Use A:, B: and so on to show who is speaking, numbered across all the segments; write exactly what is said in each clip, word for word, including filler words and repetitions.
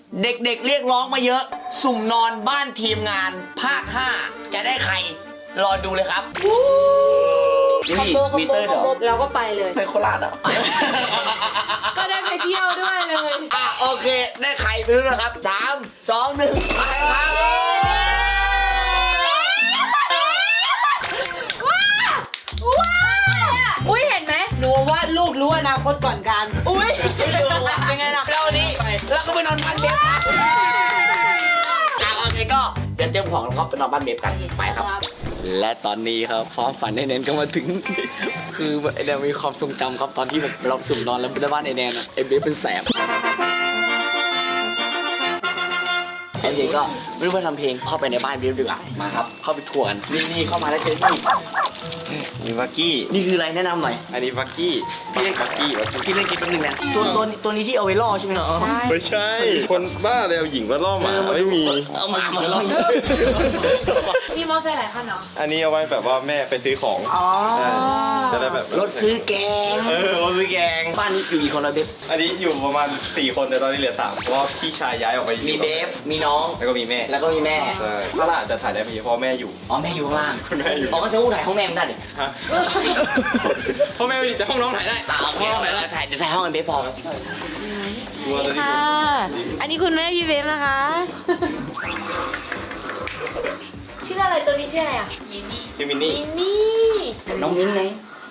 A: เด็กๆเรียกร้องมาเยอะ สุ่มนอนบ้านทีมงานภาคห้าจะได้ใครรอดูเลยครับ
B: คอมโบคอมโบคอมโบเราก็ไปเลย
A: ไปโคราชอ่ะ
B: ก็ได้ไปเที่ยวด้วยเลย
A: อ่ะโอเคได้ใครไปดูนะครับสามสองหนึ่งไปครับ
B: อุ้ยเห็นไหมหนูว่าลูกรู้อนาคตก่อนกันอุ้ยเป็นไงล่ะ
A: เราวันนี้เราก็ไปนอนบ้านเบฟครับอ่ะโอเคก็เดี๋ยวเตรียมของแล้วก็ไปนอนบ้านเบฟกันไปครับ และตอนนี้ครับความฝันไอแนนก็มาถึง คือไอแนนมีความทรงจำครับตอนที่แบบเราสุ่มนอนแล้วไปบ้านไอแนนอะไอเบฟเป็นแสบไอเบฟก็ไม่รู้ว่าทำเพลงเข้าไปในบ้านเบฟดีกว่ามาครับเข้าไปทัวร์กันนี่นี่เข้ามาแล้วเจอนี่
C: นี่บักกี้
A: นี่คืออะไรแนะนำหน่อย
C: อันนี้บักกี้พี่เล่นบักกี้บักกี้
A: พี่เล่นเกมแป๊บนึงนะตัวตัวตัวนี้ที่เอาไว้ล่อใช่ไหมเนาะ
C: ไม่ใช่ คนบ้าเลยเอาหญิงมาล่อหมาไม่มี
A: เอาหมามาล่อ
B: มีมอเตอร์ไซค์หลายคันเหรอ
C: อันนี้เอาไว้แบบว่าแม่ไปซื้อของ
B: อ๋อ
C: ใช่จะได้แบบ
A: รถซื้อแกง
C: เออรถซื้อแกง
A: บ้านนี้อยู่กี่คนแล้วเบฟ
C: อันนี้อยู่ประมาณสี่คนแต่ตอนนี้เหลือสามเพราะว่าพี่ชายย้ายออกไปอยู่
A: มีเบฟมีน้อง
C: แล้วก็มีแม่
A: แล้วก็มีแม่
C: ใช่ถ้าล่ะจะถ่ายได้ไม่เยอะเพราะแม่อยู่
A: อ๋อแม่อยู่ข้างล่าง
C: คุณแม่อยู่
A: อ๋อก็จะอู้ถ่ายห้องแม่ไม่ได้ดิ
C: ฮะเพราะแม่ไม่ดีแต่ห้องน้องถ่ายได้
A: อ่าโอเคห้องไหนถ่ายเดี๋ยวถ่ายห้องกันเบฟพอ
C: กลัวตอนนี้
B: ค่ะ อันนี้คุณแม่พี่เบฟนะคะ ชื่ออะไรตัวนี้ชื่ออะไรอ่ะ
C: คือมินนี่
B: มินนี่
A: น้องมิ้นไง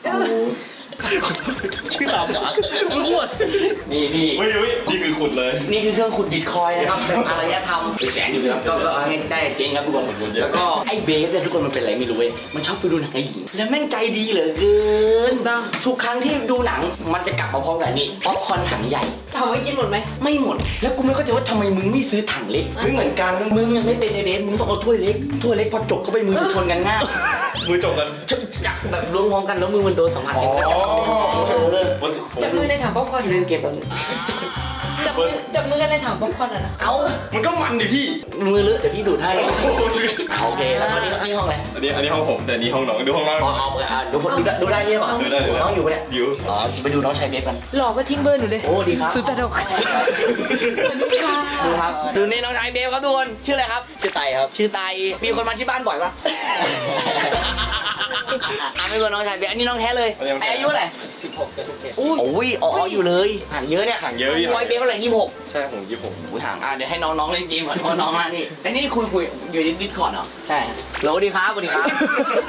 A: ชื่อตามหมามึงอ้วนนี่นี่
C: เฮ้ยเฮ้ยนี่คือขุดเลย
A: นี่คือเครื่องขุดบิตคอยน์นะครับเป็นอารยธรรมเป็นแสนอยู่นะครับก็ก็เอาให้ได้เจ๊งครับทุกคนแล้วก็ไอ้เบฟเนี่ยทุกคนมันเป็นอะไรไม่รู้เว้ยมันชอบไปดูหนังไอ้หญิงแล้วแม่งใจดีเหลือเกินทุกครั้งที่ดูหนังมันจะกลับมาพร้อมกับนี่ป๊อปคอร์นถังใหญ่
B: ถามว่ากินหมดไหม
A: ไม่หมด แล้วกูไม่เข้าใจว่าทำไมมึงไม่ซื้อถังเล็กไม่เหมือนกันมึงยังไม่เป็นไอเบฟมึงต้องเอาถ้วยเล็กถ้วยเล็กพอจบเข้าไปมือจะชนกันง่าย
C: มือจบกัน
A: จับแบบล้วงพร้อมกันแล้วมือมันโดนสัมผัสกัน
C: อ๋อ
B: จับมือในถังป๊อปคอร์น
A: เล่นเกมแบบนี้
B: จับมือจับมือกันในถังป๊อปคอร์นอ่ะนะ
A: เอา
C: มันก็มันดิพี่
A: มือเลอะเดี๋ยวพี่ดูดให้เอาโอเคแล้วตอนนี้นี่ห้องอะไร
C: อันนี้อันนี้ห้องผมแต่อันนี้ห้องน้องดูห้องน้อง
A: อ๋อเอาอ่าดูคนดูได้ดูได้ใช่ป่ะ
C: ดูได้ดูได้
A: น้องอยู่ปะเนี่ย
C: อยู่
A: อ๋อไปดูน้องชายเบฟกัน
B: หลอกก็ทิ้งเบอร์หนูเลย
A: โอ้ดีครับ
B: ศูนย์แปดหกสวัสดีค่ะ
A: ดูครับดูนี่น้องชายเบฟครับทุกคนชื่ออะไรครับชื่อไตครับชื่อไตมีคนมาที่บ้านบ่อยปะอ่ะไม่เป็นน้องชายเบฟอันนี้น้องแท้เลยอายุเท่าไหร่สิบหกจะสิบเจ็ดโอ้ยอ๋ออยู่เลยห่างเยอะเนี่ย
C: ห่างเยอะพี่
A: น้อยเบฟเท่าไหร่ยี่สิบหก
C: ใช่ผมยี่สิบหก
A: กูถามอ่ะเดี๋ยวให้น้องๆเล่นเกมก่อนเพราะน้องมานี่ไอ้นี่คุยคุยอยู่ในดิสคอร์ดเหรอใช่สวัสดีครับสวัสดีครับ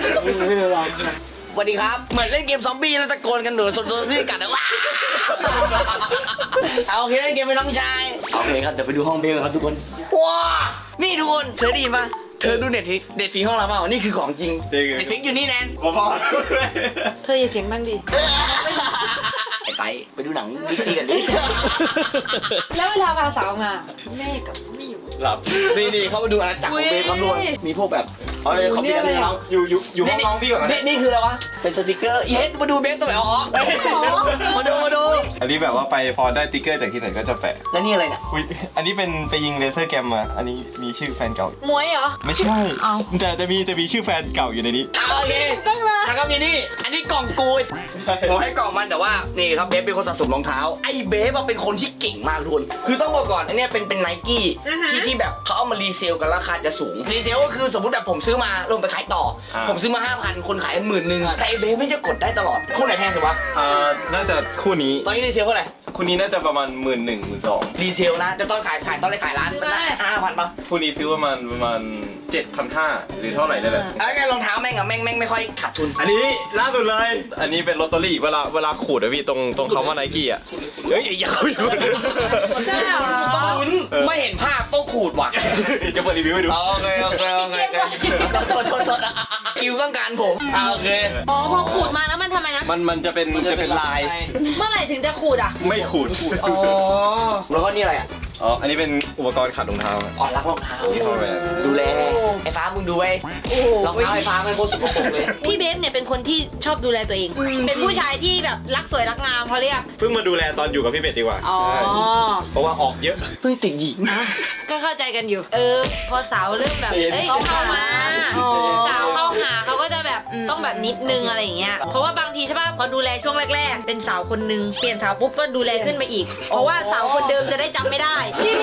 A: สวัสดีครับเหมือนเล่นเกมซอมบี้แล้วตะโกนกันหนูสดๆที่กัดนะว้าเอาโอเคเล่นเกมเป็นน้องชายโอเคครับเดี๋ยวไปดูห้องเบลครับทุกคนว้านี่ทุกคนเคยได้ยินปะเธอดูเน็ตฟิกเน็ตฟิกห้องเราเปล่านี่คือของจริงเน็ตฟิกอยู่นี่แนน
C: พอๆ
B: เธออย่าเสียงดังดิ
A: ไอ้ไปไปดูหนังบิ๊กซีกันดิ
B: แล้วเวลาพาสาวมาแม่กับไม่อยู่
C: หลับ
A: นี่นี่เขาไปดูอาณาจักรของเบฟครับทุกคนมีพวกแบบเอ้ยเขามีอะไรน้อง
C: อยู่อยู่อยู่ห้องน้องพี่ก่อนนะ
A: นี่นี่คืออะไรวะ เป็นสติกเกอร์เย็ดมาดูเบสสมัยอ๋อมาดูมาดู
C: อันนี้แบบว่าไปพอได้ติ๊กเกอร์จากที่ไหนก็จะแปะ
A: แล้วนี่อะไรเนี่ย
C: อุ๊ยอันนี้เป็นไปยิงเลเซอร์แกมมา อันนี้มีชื่อแฟนเก่า
B: มวยเหรอ
C: ไม่ใช่
B: เอา
C: แต่จะมีจะมีชื่อแฟนเก่าอยู่ในนี้
A: อ่ะโอเค
B: ตั้งเลย
A: แล้วก็มีนี่ อันนี้กล่องกูผมให้กล่องมันแต่ว่านี่ครับเบฟเป็นคนสะสมรองเท้า ไอ้เบฟอะเป็นคนที่เก่งมากทุกคนคือต้องบอกก่อนอันเนี้ยเป็นเป็นไนกี้ที่ที่แบบเขาเอามารีเซลกันราคาจะสูง รีเซลก็คือสมมติแบบผมซื้อมาลงไปขายต่อ
C: อ่า
A: ผมซื้อมาห้าพันคนขายหมื่นหนึ่งแต่ไอ้เบฟไม่จะกดได้ตลอดคู่ไหนแพงสุดวะ
C: อ่าน่าจะคู่นี้
A: ตอนนี้รีเซลเท่าไหร่
C: คู่นี้น่าจะประมาณหมื่นหนึ่งหมื่นสอง
A: รีเซลนะแต่ตอนขายขายตอนแรกขายร้านมันได้ห้าพันป่ะ
C: คู่นี้ซื้อประมาณประมาณเจ็ดพันห้าหรือเท่าไหร่นี่แหละ
A: ไอ้ไงรองเท้าแม่งอะแม่งแม่งไม่ค่อยขาดทุน
C: อันนี้ล่าสุดเลย อันนี้เป็นลอตเตอรี่เวลาเวลาขูดอะพี่ตรงตรงคำว่าไนกี้อะเฮ้ยอย่าเข้าไปดู
B: ใช่เหรอ
A: ไม่เห็นภาพต้องขูดว่ะ
C: จะเปิดรีวิวให้ดู
A: โอเคโอเคโอเคโทษโทษโทษคิวต้องการผมอ่าโอเค
B: อ๋อพอขูดมาแล้วมันทำไมนะ
C: มันมันจะเป็นจะเป็นลาย
B: เมื่อไหร่ถึงจะขูดอ่ะ
C: ไม่ขูด
B: อ๋อ
A: แล้วก็นี่อะไรอ่ะ
C: อ๋อ อันนี้เป็นอุปกรณ์ขัดรองเท้าครับ
A: อ๋อรักรองเท้า
C: ที่เขาแบบ
A: ดูแลไอ้ฟ้ามึงดูไว้
B: โอ้โห
A: รองเท้าไอ้ฟ้ามันโคตรสกปรกเลย
B: พี่เบฟเนี่ยเป็นคนที่ชอบดูแลตัวเอง เป็นผู้ชายที่แบบรักสวยรักงามเขาเรียก
C: เพิ่งมาดูแลตอนอยู่กับพี่เป็ดดีกว่า
B: อ๋อ
C: ใช่เพราะว่าออกเยอะ
A: เพิ่งติดหญิง
B: ก็เข้าใจกันอยู่ เออ พอสาวเริ่มแบบ
A: เห็น
B: เอ้ยเขาเข้ามาสาวเข้าหาเขาก็จะแบบต้องแบบนิดนึงอะไรอย่างเงี้ย เพราะว่าบางทีใช่ป่ะ พอดูแลช่วงแรก ๆ เป็นสาวคนนึง เปลี่ยนสาวปุ๊บก็ดูแลขึ้นไปอีก เพราะว่าสาวคนเดิมจะได้จำไม่ได้ พี่มีน้ำหอม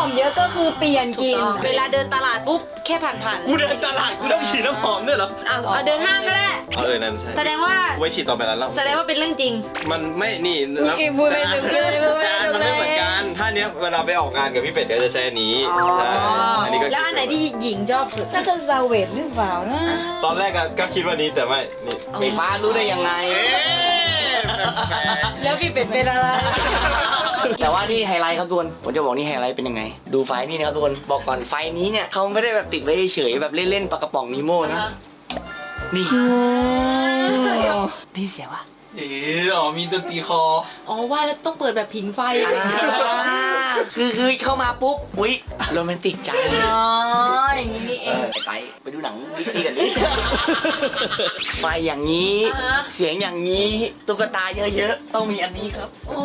D: เยอะก็คือเปลี่ยนกลิ่น
B: เวลาเดินตลาดปุ๊บแค่ผ่านๆ
C: กูเดินตลาดกูต้องฉีดน้ำหอมด้วยเหรอ
B: เอาเอาเดินห้างก็ได้
C: เออนั่นใช่
B: แสดงว่า
C: ไว้ฉีดต่อไปแล้วเรา
B: แสดงว่าเป็นเรื่องจริง
C: มันไม่นี่แล้ว
D: อีพูดไม่ถูกเลยพูดไม่
C: งาน
D: ถู
C: มั
D: ก
C: น
D: เล
C: ไม่เหมือน
D: ย
C: กันถ้าเนี้ยเวลาไปออกงานกับพี่เป็ดก็จะใช้อันนี้ใช่อันนี้ก็
B: แล้วอันไหนที่หญิงชอบสุด
D: น่าจะซาเวตหรือเปล่านะ
C: ตอนแรกก็คิดว่านี้แต่ไม่นี่
A: ไฟฟ้ารู้ได้ยังไง
C: เอ๊ะแปลก
D: แล้วพี่เป็ดเป็นอะไร
A: แต่ว่านี่ไฮไลท์ครับทุกคนผมจะบอกนี่ไฮไลท์เป็นยังไง ดูไฟนี่นะครับทุกคนบอกก่อนไฟนี้เนี่ยเขาไม่ได้แบบติดไว้เฉยๆแบบเล่นๆปากกระป๋องนีโม่นะนี่ได้เสียงวะ
C: เอ๋อ๋อมีดนตรีคอ
B: อ๋อว่าแล้วต้องเปิดแบบผิงไฟ
A: คือคือเข้ามาปุ๊บอุ้ยโรแมนติกจัง
B: อ๋ออย่างนี้นี่เอง
A: ไปไปดูหนังบิ๊กซีกันดิไฟอย่างนี้
B: อ่า
A: เสียงอย่างนี้ตุ๊กตาเยอะๆต้องมีอันนี้ครับ
B: โอ้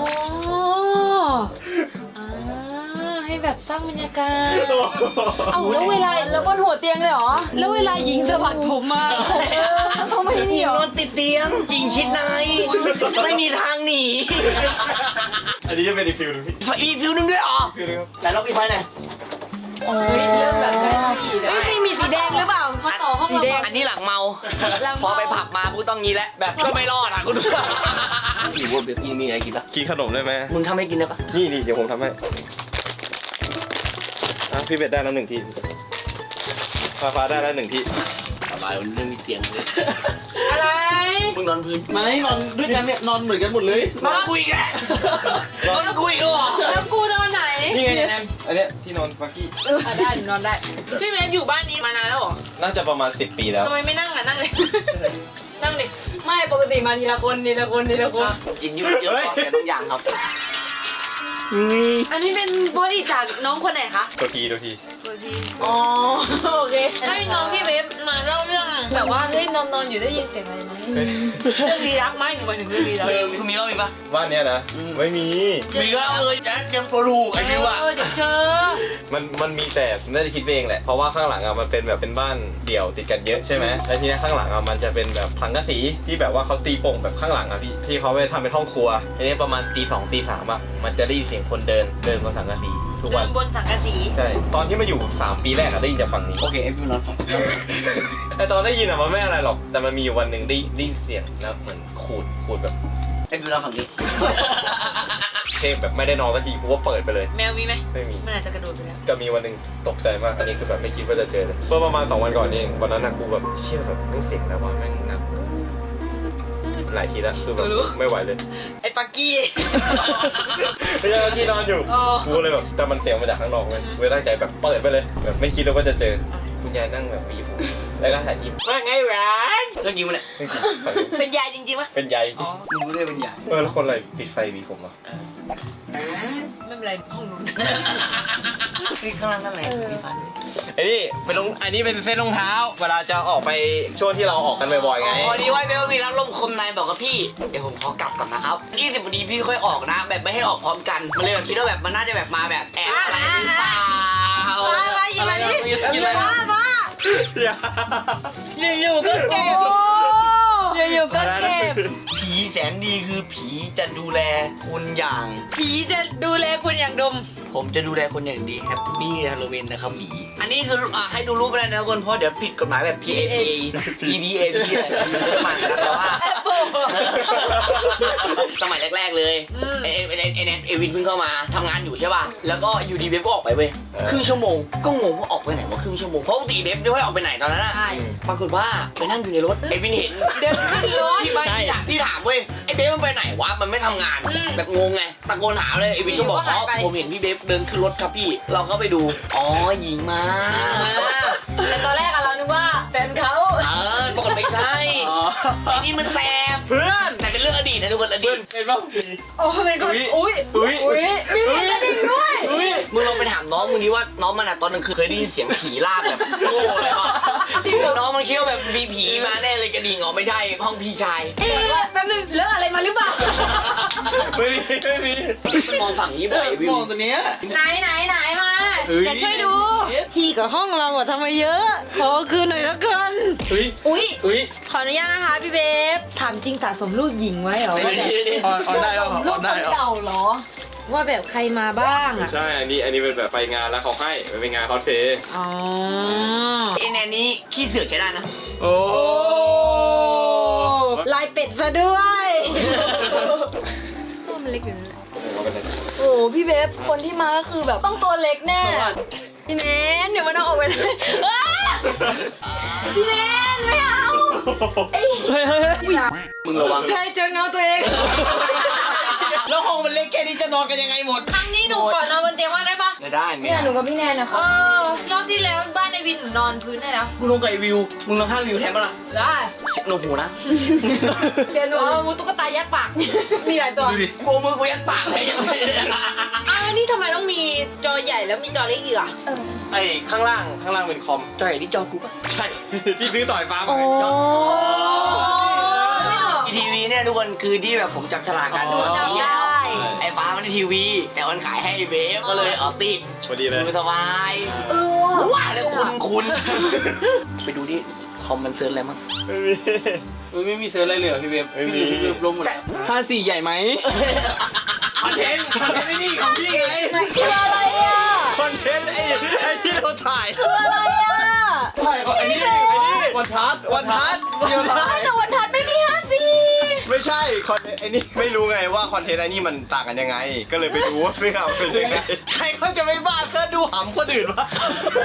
B: อ่าให้แบบสร้างบรรยากาศ เอาแล้วเวลาแล้วบนหัวเตียงเลยเหรอ แล้วเวลาหญิงสะบัดผมมาเขาไม่
A: หญิ
B: นี่
A: ง
B: เหร
A: น
B: อ
A: อนติดเตียงหญิงชิดในไม่มีทางหนี
C: อันนี้จะเป็นอีกฟิลหนึงพี่
A: ไฟอีกฟิวนึงด้วยเหรอ
C: ฟิลนึงครับ
A: ไหนลองปิดไฟหน่อย
B: โอ้ยเริ่มแบบได้ทีแล้ว
D: เฮ้ยไม่มีสีแดงหรือเปล่ามาต่อห้อง
B: สีแดง
A: อันนี้หลังเมา
B: หลัง
A: พอ
B: เมา
A: ไปผับมาพูดต้องงี้แหละแบบก็ไม่รอดอ่ะกูดูอยู่บนเบียร์มีอะไรกินปะ
C: กินขนมได้ไหม
A: มึงทำให้กินได้ปะ
C: นี่นี่เดี๋ยวผมทำให้อ่ะพี่เป็ดได้แล้วหนึ่งที่ฟ้าฟ้าได้แล้วหนึ่งที่
A: สบายวันนี้มีเตียงเลย
B: อะไร
A: มึงนอนพื้น
E: ไม่นอนด้วยกันเนี่ยนอนเหมือนกันหมดเลย
A: นอนคุยกันนอนคุยกันเหรอ
B: แล้วกูนอนไหน
C: นี่ไงแอนอันเนี้ยที่นอนฟักกี้
B: อ่ะได้หนูนอนได้ พี่เมฟอยู่บ้านนี้มานานแล้วเหรอ
C: น่าจะประมาณสิบปีแล้ว
B: ทำไมไม่นั่งอ่ะนั่งเลย นั่งดิ
D: ไม่ปกติมาทีละคนทีละคนทีละคน
A: กินยุ่งเยอะกว่าแต่บางอย่างครับ
B: อันนี้เป็นบอดี้จากน้องคนไหนคะ
C: ตัวทีตัวที
B: ตัวที
D: อ๋อโอเค
B: ให้น้องพี่เวฟมาเล่าเรื่องแบบว่าเฮ้ยนอนนอนอยู่ได้ยินเสียงอะไรไหมเรื่องลี้ลับไหมหนูหมายถึงเรื่องลี้ลับ
A: เออมีมีว่ามีปะ
C: บ้านเนี้ยนะไม่มี
A: มีก็เอาเลยนะยังตัวถูกไอ้บิวอะ
B: เออเดี๋ยวเจอ
C: มันมันมีแต่น่าจะคิดไปเองแหละ เพราะว่าข้างหลังอะมันเป็นแบบเป็นบ้านเดี่ยวติดกันเยอะใช่ไหมแล้วทีนี้ข้างหลังอะมันจะเป็นแบบสังกะสีที่แบบว่าเขาตีโป่งแบบข้างหลังอะพี่ที่เขาไปทำเป็นห้องครัวทีนี้ประมาณตีสองตีสามอะมันจะได้ยินเสียงคนเดินเดินบนสังกะสีทุก
B: เดิ
C: วัน
B: นบนสังกะสี
C: ใช่ตอนที่มาอยู่สามปีแรกอะได้ยินจากฝั่งนี้
A: โอเคไอ้บิวนอนฝั่ง
C: แต่ตอนได้ยินอะมันไม่อะไรหรอกแต่มันมีอยู่วันหนึ่งได้ได้ยินเสียงแล้วเหมือนขูดขูดแบบ
A: ไอ้บิวนอนฝั่งนี้
C: เพลงแบบไม่ได้นอนสักทีกูก็เปิดไปเลย
B: แมวมีไหม
C: ไม่มี
B: มันอาจจะกระโดดไปแล้ว
C: ก็มีวันหนึ่งตกใจมาก อันนี้คือแบบไม่คิดว่าจะเจอเลยเมื่อประมาณสองวันก่อนนี่เองวันนั้นนะกูแบบเชื่อแบบไม่งเสียงแต่ว่าแม่งหนักหลายทีแล้วคือแบบไม่ไหวเลย
B: ไอ้ปักกี้
C: ไม่ใช่เมื่อกี้นอนอยู่
B: อ๋อ
C: กูเลยแบบแต่มันเสียงมาจากข้างนอกเลยกูเลยตั้งใจแบบเปิดไปเลยแบบไม่คิดเลยว่าจะเจอคุณยายนั่งแบบมีผมแล้วก็ถ่ายยิ้มว่าไงหวาน
A: เรื่องจริงมันเนี่ย
B: เป็นยายจริงๆปะ
C: เป็นใย
A: มึงรู้ได้เป็นใหญ่
C: เออแล้วคนอะไรปิดไฟวีผมอ่ะ
B: ไม่เป็นไรห้องนู้น
A: นี่ข้างล่างนั่นแหละมีฟัน
C: ไอ้นี่เป็นรองอันนี้เป็นเส้นรองเท้า เวลาจะออกไปช่วงที่เราออกกันบ่อยๆไง
A: พอดีว่าเบลมีรับลมคมในบอกกับพี่เดี๋ยวผมขอกลับก่อนนะครับยี่สิบนาทีพี่ค่อยออกนะ แบบไม่ให้ออกพร้อมกันมันเลยแบบคิดว่าแบบมันน่าจะแบบมาแบบแอบอะไรหรือเปล่า
B: มามาหยิบมาดิ
A: กินอะไร
D: มามา อยู่ๆก็เก็บอยู่ๆก็เก็บ
A: ผีแสนดีคือผีจะดูแลคุณอย่าง
B: ผีจะดูแลคุณอย่างดม
A: ผมจะดูแลคนอย่างดีแฮปปี้ฮาโลวีนนะครับหมีอันนี้คืออ่ะให้ดูรูปไปเลยนะทุกคนเพราะเดี๋ยวผิดกฎหมายแบบ P A P P D A P อะไรเยอะมากนะแต่ว่า สมัยแรกๆเลยไอ้ไอ้ไอ้ไอ้แนทเอวินเพิ่งเข้ามาทำงานอยู่ใช่ป่ะแล้วก็อยู่ดีเบฟก็ออกไปเว้ยครึ่งชั่วโมงก็งงว่าออกไปไหนวะครึ่งชั่วโมงเพราะปกติเบฟไม่ค่อยออกไปไหนตอนนั้นอะ
B: ใช่
A: ปรากฏว่าไปนั่งอยู่ในรถไอ้วินเห็น
B: เดินขึ้นรถ
A: พี่ไม่พี่ถามพี่ถามเว้ยไอ้เบฟมันไปไหนวะมันไม่ทำงาน
B: อืม
A: แบบงงไงตะโกนถามเลยไอ้วินก็บอก
B: หนี
A: อ๋อ
B: ว่าหายไป
A: ผมเห็นพี่เบฟเดินขึ้นรถครับพี่เราก็ไปดูอ๋อหญิงมา
B: แต่ตอนแรกอะเรานึกว่าแฟนเขา
A: เออปรากฏไม่ใช่ไอ้นี่มันแสบ
C: เพื่อน
A: แต่เป็นเรื่องอดีตนะทุกคนอดี
C: เพื่อน
A: ต
C: เห็นป่ะ
D: โอ้ไม่ก็อุ้ย
C: อุ้ย
D: อุ้ยมีกระดิ่งด้วย
C: อุ้ย
A: มึงลองไปถามน้องมึงดิว่าน้องมันอะตอนกลางคืนเคยได้ยินเสียงผีลากแบบโง่เลยป่ะน้องมันคิดว่าแบบมีผีมาแน่เลยกระดิ่งอ๋อไม่ใช่ห้องพี่ชาย
D: เอ๊ะแป๊บนึงเลอะอะไรมาหรือเปล่า
C: ไม่มีไม่มี
A: มันมองฝั่งนี้บ่อยวิว
E: มองตัวเนี้ย
B: ไหนไหนไหนมา
E: เฮ้ย
B: เดี๋ยวช่วยดู ที่กับห้องเราอะทำไมเยอะ ขอคืนหน่อยแล้วกัน
E: อุ้ย
B: อุ้ย
E: อุ้ย
B: ขออนุญาตนะคะพี่เบฟถามจริงสะสมรูปหญิงไว้เหรอ
A: ไม่ได้
E: ออนออนได้เหรออ
D: รู
E: อ
D: ป
E: นได้เหรอ
D: เก่าเหรอ
B: ว่าแบบใครมาบ้าง
C: ไม่
B: อ่ะ
C: ใช่ อันนี้อันนี้เป็นแบบไปงานแล้วเขาให้มันเป็นงานคอสเพลย์
B: อ๋อ
A: ไอแนนนี้ขี้เสือกใช้ได้นะ
C: โอ้
B: โอ้ลายเป็ดซะด้วยมันเล็กอยู่นั่นแหละโอ้พี่เบฟคนที่มาก็คือแบบต้องตัวเล็กแน่พี่เนนเดี๋ยวมันเอาออกไปเลยอ้าพี่เนนไม่เอาไอ้
E: เฮ้ยเฮ้ยเฮ้ย
A: มึงระวัง
B: ใช่เจอเงาตัวเอง
A: แล้วห้องมันเล็กแค่นี้จะนอนกันยังไงหมด
B: ครั้งนี้หนูขอนอนบนเตียงว่างได้ปะ
A: ไม่ได้
B: เนี่ยหนูกับพี่แนนนะเออรอบที่แล้วบ้านในวินหนูนอนพื้นได้แล้ว
A: กูลงกับไอ้วิว มึงลองข้างวิวแทนปะล่ะ
B: ได้
A: โนหูนะ
B: เดี๋ยวหนูเอาตุ๊กตายัดปาก มีหลายตัว
A: ดูดิกูมือกูยัดปากเลยยังไม่ได้
B: อ้าวแล้วนี่ทำไมต้องมีจอใหญ่แล้วมีจอเล็กอีกอ่ะ
C: ไอข้างล่างข้างล่างเป็นคอม
A: จอยนี่จอกูปะ
C: ใช่ ที่ซื้อต่อยฟ้า
E: โอ้
C: มาจอ
A: อีทีวีเนี่ยทุกคนคือที่แบบผมจับฉลากกัน
B: หนูจำได้
A: ไอ้ฟ้ามันในทีวี แต่มันขายให้ไอ้เบฟก็เลยเอาติด
C: พอดีเลย
A: ดูสบาย
B: เออว่ะ
A: ว่าแล้วคุณคุณไปดูดิคอมมันเซิร์ชอะไรมั้ง
C: ไม่มี
E: เฮ้ยไม่มีเซิร์ฟอะไรเลยเหรอพี่เบฟ
C: ไม่มี
E: พี่เบฟลงหมดห้าสี่ใหญ่ไหม
A: คอนเทนต์คอนเทนต์ไม่นี่ของพี่ไง
B: คืออะไรอ่ะ
C: คอนเทนต์ไอ้ไอ้ที่เราถ่าย
B: คืออะไรอ่ะ
E: ใช่ไอ้นี่ไอ้นี่วันทัศน์
C: วันทัศน์
E: เดียวถ่าย
B: แต่วันทัดไม่มีห้าสี่
C: ไม่ใช่คอนเทนต์ไอ้นี่ไม่รู้ไงว่าคอนเทนต์ไอ้นี่มันต่างกันยังไง ก็เลยไปดูว่าเสื้อมันเป็นยังไงใครเขาจะไม่บ้าเสื้อดูหำคนอื่นวะ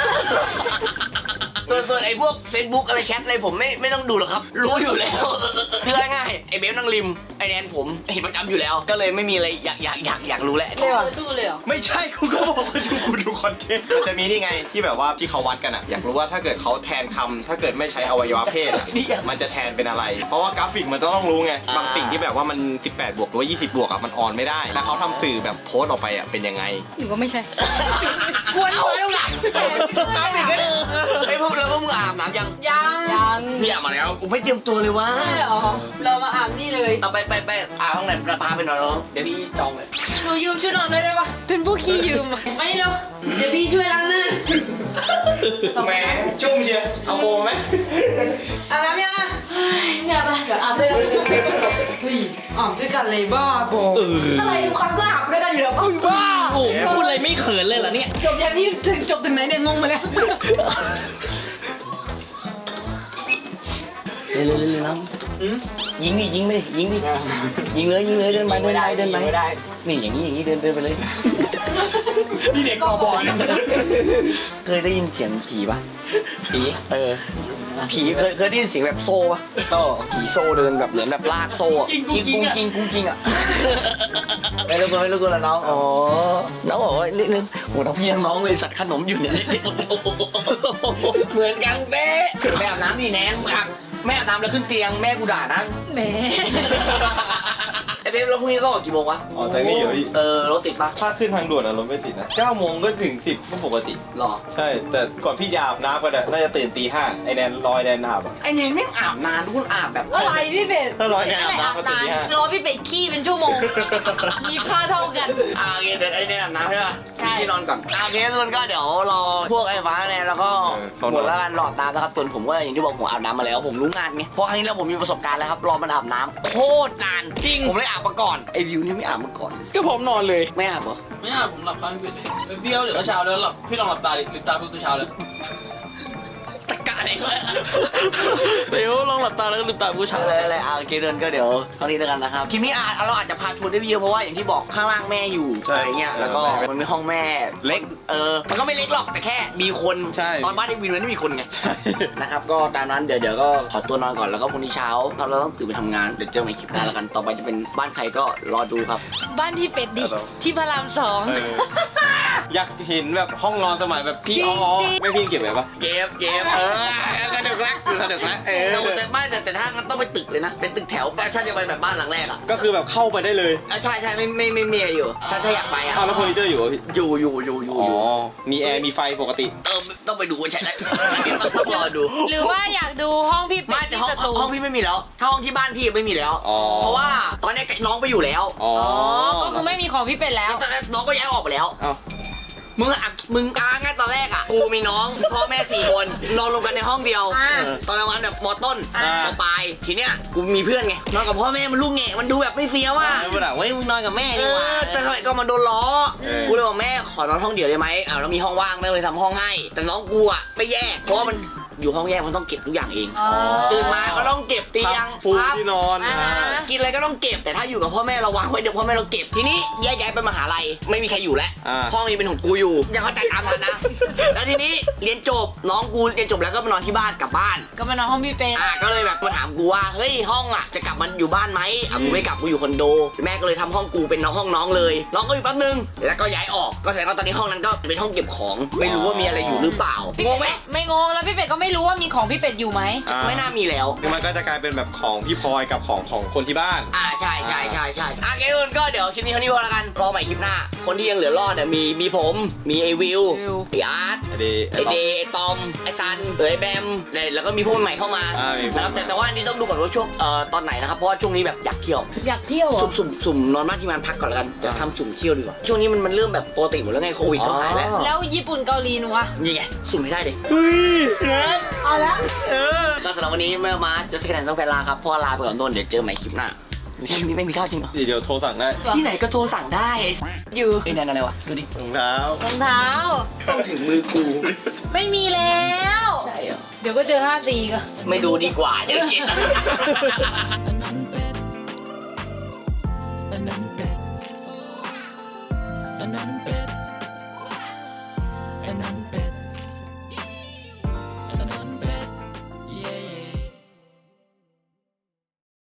A: ส่วนส่วนไอ้พวก Facebook อะไรแชทอะไรผมไม่ไม่ต้องดูหรอกครับ รู้อยู่แล้วคือง่ายๆไอ้เบฟนั่งริมไอ้แนนผมเห็นประจำอยู่แล้ว ก็เลยไม่มีอะไรอยากอยากอยากอยากรู้แหละ
B: เลยเหรอดูเลยเหรอ
C: ไม่ใช่กูก็บอกว่าดูกูดูคอนเทนต์มันจะมีนี่ไงที่แบบว่าที่เขาวัดกันอะอยากรู้ว่าถ้าเกิดเขาแทนคำถ้าเกิดไม่ใช้อวัยวะเพศอะมันจะแทนเป็นอะไร เพราะว่ากราฟิกมันต้องรู้ไงบางสิ่งที่แบบว่ามันสิบแปดบวกหรือว่ายี่สิบบวกอะมันออนไม่ได้แล้วเขาทำสื่อแบบโพสต์ออกไปอะเป็นยังไง
B: หนูก็ไม่ใช่
A: กวนเอาแล้วล่ะตามอีกแล้วไอ้พวกแล้วพวกมึงอาบน้ำยัง
B: ยังยัง
A: พี่อาบมาแล้วกูไม่เตรียมตัวเลยว่า
B: ใช่เหรอ เรามาอาบนี่เลย
A: เอาไปไปไปอาบห้องไหนพาไปนอนน้องเดี๋ยวพี่จองเลย
B: หนูยืมชุดนอนด้วยได้ปะเป็นพวกขี้ยืมอะไม่เร็วเดี๋ยวพี่ช่วยล้างหน้า
C: แหมจุ่มเชียวเอาโมไหม
B: อาบน้ำยังอ่ะเฮ้ยเนี่ยปะเดี๋ยวอาบด้วยกันเฮ้ยอาบด้วยกันเลยบ้าบอ
E: เออ
B: อะไรทุกครั้งก็อาบด้วยกันอยู่แล้วป่ะบ้า
E: โอ้โหพูดอะไรไม่เขินเลยเหรอเนี่ย
B: จบยังนี่ถึงจบถึงไหนเนี่ยงงมาแล้ว
A: เร็วเร็วเร็วน้องยิงดิยิงไปดิยิงดิยิงเลยยิงเลยเดินไปเดินไปเดินไปไม่ได้นี่อย่างนี้อย่างนี้เดินเดินไปเลย
C: นี่เด็กกอบอล
A: เคยได้ยินเสียงผีปะผีเออผีเคยเคยได้ยินเสียงแบบโซ่ปะโซ่ผีโซ่เดินแบบเหมือนแบบลากโซ่อะกิ้งกุ้งกิ้งกุ้งกิ้งอ่ะไม่รู้ตัวไม่รู้ตัวแล้วน้องอ๋อน้องบอกว่านิดนึงโอ้ทั้งพี่ทั้งน้องเลยสัตว์ขนมอยู่เนี่ยเหมือนกันเป๊ะแม่อาบน้ำนี่แนนครับแม่อาบน้ำแล้วขึ้นเตียงแม่กูด่านะ
B: แหม
A: ไอ้เบ๊แล้วพรุ่งนี้ต้องออกกี่โมงวะ
C: อ๋อจากนี่เหรอพี่
A: เออรถติดปะ
C: ถ้าขึ้นทางด่วนอะรถไม่ติดนะเก้าโมงก็ถึงสิบก็ปกติ
A: หรอ
C: ใช่ แต่ก่อนพี่จะอาบน้ำกันอะน่าจะตื่นตีห้าไอแนนรอยแนนอาบอะ
A: ไอ้แนนแม่งอาบนานทุกคนอาบแบบ
B: อะไรพี่เป็ด
C: ถ้ารอยแนนอาบน้ำก็ตื่นตีห้าร
B: อพี่เป็ดขี้เป็นชั่วโมง มีค่าเท่ากัน
A: อ่าโอเคเดี๋ยวไอ้แนนอาบน้ำใช่ปะ
B: ใช่
A: พี่นอนก่อนอ่าโอเคทุกคนก็เดี๋ยวรอพวกไอ้ฟ้าแนนแล้วก็หมดแล้วกันรอตามนะครับส่วนผมก็อย่างที่บอกผมอาบน้ำมาแล้วผมรู้งานไงเพราะครั้งนี้แล้วผมมีประสบการณ์แล้วครับรอมันอาบน้ำโคตรนานจริงผมเลยอาบมาก่อนไอ้วิวนี่ไม่อาบมาก่อน
E: ก็ผมนอนเลย
A: ไม่อาบเหรอ
E: ไม่อาบผมหลับข้างพี่เลยเบี้ยวเดี๋ยวก็เช้าแล้วหลับพี่ลองหลับตาดิลืมตาปุ๊บก็เช้าเลย
A: ตะการเองเลย
E: เดี๋ยวลองหลับตาแล้วก็ลืมตาปุ๊บก็เช้า
A: อะไรอะไรอ่าโอเคเดินก็เดี๋ยวเท่านี้แล้วกันนะครับคลิปนี้อาจเราอาจจะพาทัวร์ได้เยอะเพราะว่าอย่างที่บอกข้างล่างแม่อยู่อะไรเงี้ยแล้วก็มันมีห้องแม่
C: เล็ก
A: เออ มันก็ไม่เล็กหรอกแต่แค่มีคน
C: ใช่
A: ตอนบ้านไอ้วินมันไม่มีคนไง
C: ใช่
A: นะครับ ก็ตามนั้นเดี๋ยวเดี๋ยวก็ขอตัวนอนก่อนแล้วก็พรุ่งนี้เช้าเราต้องตื่นไปทำงาน เดี๋ยวเจอกันใหม่คลิปหน้าแล้วกัน ต่อไปจะเป็นบ้านใครก็รอดูครับ
B: บ้านที่เป็ดดิ ที่พระรามสอง
C: เอออยากเห็นแบบห้องนอนสมัยแบบพี่
B: จริ
C: อ๋
B: ง
C: อ
B: จริง
C: ไม่พี่เก็บไว้ปะ
A: เกมเกม
C: เออกระดึกรักคือกระดึกรักเออ
A: แต่แต่ไม่แต่แต่ถ้างั้นต้องไปตึกเลยนะ เป็นตึกแถวถ้าจะไปแบบบ้านหลังแรกอ่ะ
C: ก็คือแบบเข้าไปได้เลย
A: อ่ะใช่ใช่ไม่ไม่ไม่มีอะไรอยู่ ถ้าถ้าอยากไปอ่ะ
C: อ้าวแล้วเฟอร์นิเจอร์อยู่เหรอพี่
A: อยู่อยู่อยู่อยู่
C: อ๋อ
A: อยู่
C: มีแอร์มีไฟปกติ
A: เออต้องไปดูว่าใช่ไหมต้องต้องรอดู
B: หรือว่าอยากดูห้องพี่เป็
A: ไม่
B: ด
A: แต่
B: ที่
A: ห้อง
B: สตู
A: ห้องพี่ไม่มีแล้ว ถ้าห้องที่บ้านพี่ไม่มีแล้ว
C: อ๋อ
A: เพราะว่าตอนนี้น้องไปอยู่แล้ว
C: อ๋อ
B: อ๋อ ก็คือไม่มีของพี่เป็ดแล้ว
A: แล้วตอนนั้นน้องก็ย้ายออกไปแล้ว
C: เอ้า
A: มึงอ่ะมึงอ่ะงั้นตอนอนแรกอ่ะกูมีน้องพ่อแม่สี่คนนอนรวมกันในห้องเดียว
B: อ่า
A: ตอนกลางวันแบบมอต้น
C: อ่าม
A: อปลายทีเนี้ยกูมีเพื่อนไงนอนกับพ่อแม่มันลูกแง่มันดูแบบไม่เฟี้ยวอ่ะ
C: แล้วมันอ่ะเว้ยมึงนอนกับแม่
A: เอ
C: ดีกว่า
A: อแต่ทำไมก็มาโดนล้อ
C: เออ
A: กูเลยบอกแม่ขอนอนห้องเดียวได้ไหมอ้าวแล้วมีห้องว่างแม่เลยทำห้องให้ แต่น้องกูอ่ะไม่แยกเพราะว่ามันอยู่ห้องแยกมันต้องเก็บทุกอย่างเอง
B: อ๋อ
A: ตื่นมาก็ต้องเก็บเตียง
C: ปู
A: พับ
C: ที่นอน
B: อ่า
C: อ่า
A: กินอะไรก็ต้องเก็บแต่ถ้าอยู่กับพ่อแม่เราวางไว้เดี๋ยวพ่อแม่เราเก็บทีนี้แยกย้ายไปมหาลัยไม่มีใครอยู่แล้ว
C: อ่า
A: ห้องนี้เป็นของกูอยู่ยังเข้าใจตามทันนะ แล้วทีนี้เรียนจบน้องกูเรียนจบแล้วก็มานอนที่บ้านกลับบ้าน
B: ก็มานอนห้องพี่เป็น
A: อ่าก็เลยแบบมาถามกูว่าเฮ้ยห้องอ่ะจะกลับมาอยู่บ้านไหมอ่ะกูไม่กลับกูอยู่คอนโดแม่ก็เลยทำห้องกูเป็นน้องห้องน้องเลยน้องก็อยู่แป๊บนึงแล้วก็ย้ายออกก็แสดงว่าตอนนี้ห้องนั้นก็เป็นห้องเก็บของไม่รู้ว่ามีอะไรอยู่หรือเปล่า
B: พี่
A: ง
B: เป็
A: งไหม
B: ดไม่งงแล้วพี่เป็ดก็ไม่รู้ว่ามีของพี่เป็ดอยู่ไหม
C: อ่า
A: ไม่น่ามีแล้ว
C: คือมันก็จะกลายเป็นแบบของพี่พลอยกับของของคนที่บ้าน
A: อ่าใช่ใช่ใช่ใช่อ่ะเกมก็เดี๋ยวคลิปนี้เท่านี้พอละกันรอใหม่คลิปหน้า คนที่ยังเหลือรอดเนี่ยมีมีผมมีไอวิว
B: วิว
A: ไออาร์ต
C: ไอเดย์
A: ไอเดย์ไอตอมไอซันเออไอแบมแล้วก็มีพวกใหม่เข้ามา
C: อ่ามีพวก
A: นะครับแต่แต่ว่าอันนี้ต้องดูก่อนว่าช่วงเอ่อตอนไหนนะครับเพราะว่าช่วงนี้แบบอยากเที่ยว
B: อยากเที่ยวเหรอ
A: สุ่มสุ่มสุ่มนอนบ้านที่มันพักก่อนแล้วกันเดี๋ยวทำสุ่มเที่ยวดีกว่าช่วงนี้มันมันเริ่มแบบปกติหมดแล้วไงโควิดก็หายแล้ว
B: แล้วญี่ปุ่นเกาหลีหนูอะ
A: นี่ไงสุ่มไม่ได้ดิ
C: เฮ้ยนัท
B: เอาละ
C: เออ
A: ก็สำหรับวันนี้เมื่อมาจะสแกนต้องไปลาครับเพราะว่าลาไปก่อนโดนเดี๋ยวเจอใหม่คลิปหน้าคลิปนี้ไม่มีข้าวจริงเหรอ
C: เดี๋ยวโทรสั่งได้
A: ที่ไหนก็โทรสั่งได้ไอ้
B: อยู่
A: ไอ้นั่นอะไรวะดูดิ
C: รองเท้าร
B: องเท้า
A: ต้องถึงมือกู
B: ไม่มีแล้ว
A: ใช่เหรอ
B: เดี๋ยวก็เจอห้าตีก็
A: ไม่ดูดีกว่าเดี๋ยวเกลียด
F: อันนั้นเป็ดอันนั้นเป็ด